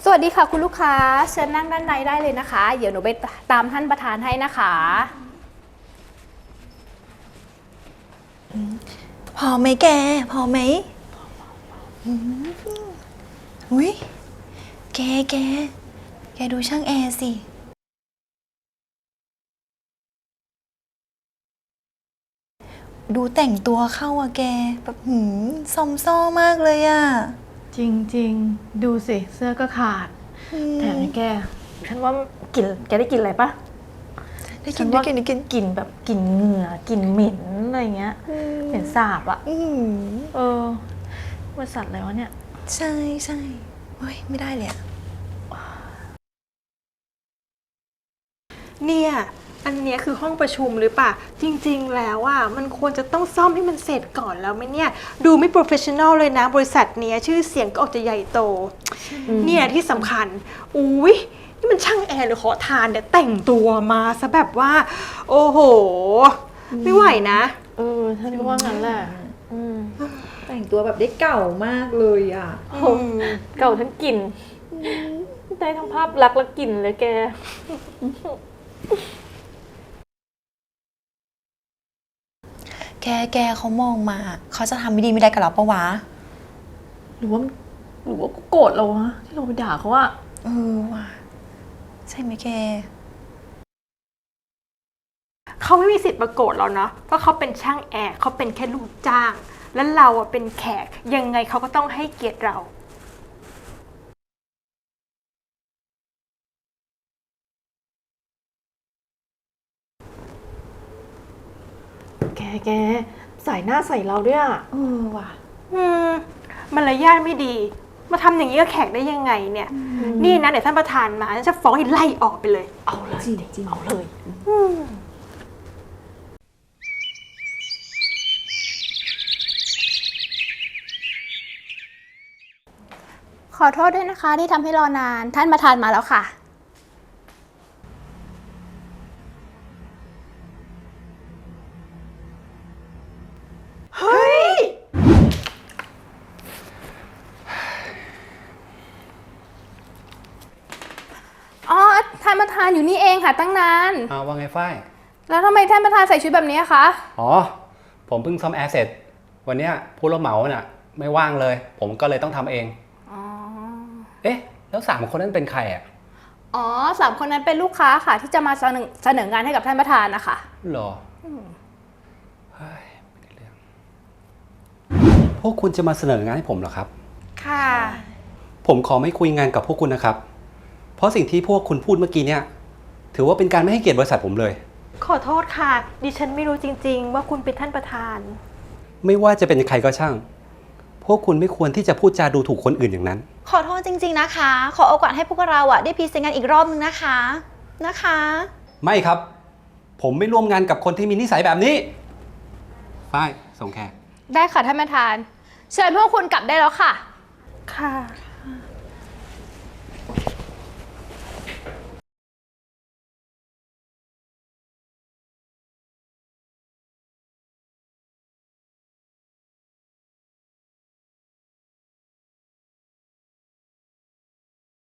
สวัสดีค่ะคุณลูกค้าเชิญนั่งด้านในได้เลยนะคะเดี๋ยวหนูไปตามท่านประธานให้นะคะพอไหมแกพอไหมอุ้ยแกดูช่างแอร์สิดูแต่งตัวเข้าอะแกแบบซอมซ้อมากเลยอะจริงๆดูสิเสื้อก็ขาดแถมแกฉันว่ากลิ่นแกได้กลิ่นอะไรปะได้กินได้กินได้กินกลิ่นแบบกลิ่นเหงื่อกลิ่นเหม็นอะไรเงี้ยเหม็นสาบอะบริษัทอะไรวะเนี่ยใช่เฮ้ยไม่ได้เลยอะเนี่ยอันเนี้ยคือห้องประชุมหรือเปล่าจริงๆแล้วอ่ะมันควรจะต้องซ่อมให้มันเสร็จก่อนแล้วไหมเนี่ยดูไม่โปรเฟชชั่นอลเลยนะบริษัทเนี้ยชื่อเสียงก็ออกจะใหญ่โตเนี่ยที่สำคัญอุ้ยนี่มันช่างแอร์หรือขอทานเนี่ยแต่งตัวมาซะแบบว่าโอ้โหไม่ไหวนะฉันก็ว่างั้นแหละแต่งตัวแบบได้เก่ามากเลยอะเก่าทั้งกลิ่นได้ทั้งภาพลักษณ์และกลิ่นเลยแกแกเขามองมาเขาจะทำไม่ดีไม่ได้กับเราปะวะหรือว่ากูโกรธเราวะที่เราไปด่าเขาอะว่ะใช่ไหมแกเขาไม่มีสิทธิ์มาโกรธเราเนาะเพราะเขาเป็นช่างแอร์เขาเป็นแค่ลูกจ้างแล้วเราอ่ะเป็นแขกยังไงเขาก็ต้องให้เกียรติเราแกใส่หน้าใส่เราด้วยอะว่ะมารยาทไม่ดีมาทำอย่างนี้กับแขกได้ยังไงเนี่ยนี่นะเดี๋ยวท่านประธานมาจะฟ้องให้ไล่ออกไปเลยเอาเลยจริงเอาเลยขอโทษด้วยนะคะที่ทำให้รอนานท่านประธานมาแล้วค่ะเฮ้ยอ๋อท่านประธานอยู่นี่เองค่ะตั้งนานว่าไงฝ้ายแล้วทำไมท่านประธานใส่ชุดแบบนี้คะอ๋อ ผมเพิ่งซ่อมแอร์เสร็จ วันเนี้ยผู้รับเหมาน่ะไม่ว่างเลย ผมก็เลยต้องทำเอง เอ๊ะ แล้ว3 คนนั้นเป็นใครอ่ะอ๋อ3 คนนั้นเป็นลูกค้าค่ะที่จะมาเสนองานให้กับท่านประธานนะคะหรอเฮ้ยไม่ได้เรื่องพวกคุณจะมาเสนองานให้ผมเหรอครับค่ะผมขอไม่คุยงานกับพวกคุณนะครับ เพราะสิ่งที่พวกคุณพูดเมื่อกี้เนี่ยถือว่าเป็นการไม่ให้เกียรติบริษัทผมเลยขอโทษค่ะ ดิฉันไม่รู้จริงๆว่าคุณเป็นท่านประธานไม่ว่าจะเป็นใครก็ช่าง พวกคุณไม่ควรที่จะพูดจาดูถูกคนอื่นอย่างนั้นขอโทษจริงๆนะคะขอโอกาสให้พวกเราได้พรีเซนต์งานอีกรอบนึงนะคะไม่ครับ ผมไม่ร่วมงานกับคนที่มีนิสัยแบบนี้ฝ้ายส่งแขกได้ค่ะท่านประธานเชิญพวกคุณกลับได้แล้วค่ะค่ะ